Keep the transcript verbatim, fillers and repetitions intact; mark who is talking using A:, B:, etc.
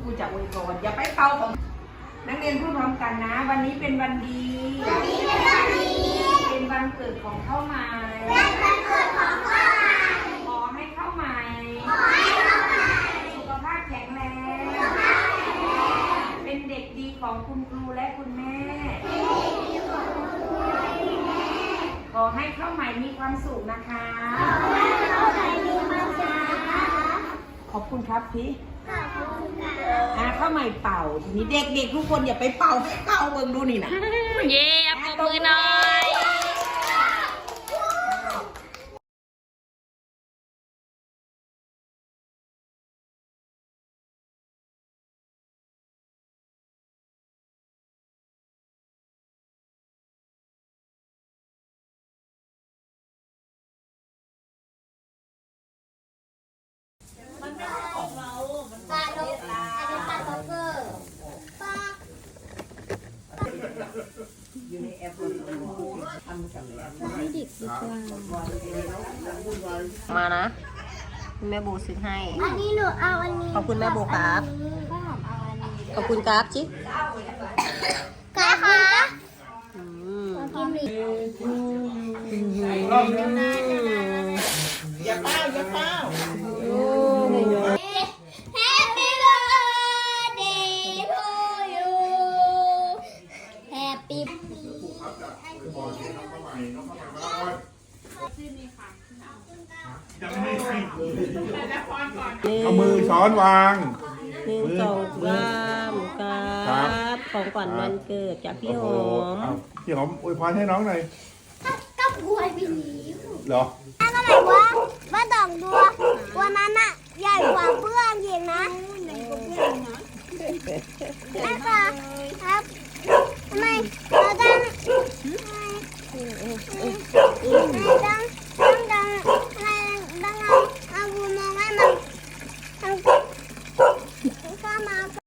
A: ครูจะอวยพรอย่าไปเป่าของนักเรียนพูดพร้อมกันนะวันนี้เป็นวันดีวันนี้เป็นวันดีเป็นวันเกิดของข้าวใหม่เป็นวันเกิดของข้าวใหม่ขอให้ข้าวใหม่ขอให้ข้าวใหม่สุขภาพแข็งแรงเป็นเด็กดีของคุณครูและคุณแม่ขอให้ข้าวใหม่มีความสุขนะคะขอให้ข้าวใหม่มีความสุขนะคะขอบคุณครับพี่อ่าข้าวใหม่เป่าทีนี้เด็กๆทุกคนอย่าไปเป่าให้เป่าเบิ่งดูนี่นะ
B: เย่ปรบมือหน่อย
C: ปลาล็อกอันนี้ปลาล็อกเกอร์ปลา
A: อยู่ในแอปทำกับ
B: ให้เด็กดีกว่ามานะแม่โบซื้อให้
C: อันนี้หนูเอาอันนี้
B: ขอบคุณแม่โบครับขอบคุณครับจิ๊ก
C: กาค่ะ
A: อย่าเป้าอย่าเป้า
C: Happy birthday to you Happy
D: เอามือช้อนวาง
B: หนึ่งสองสามครับของขวัญวันเกิดจากพี่หอม
D: พี่หอมอวยพรให้น้องหน่อย
C: ก็บวยไปนี้
D: เหรอ
C: อะไรวะว่าดอกบัวตัวนั้นอะใหญ่กว่าเพื่อนยิงนะแม่ค่ะครับ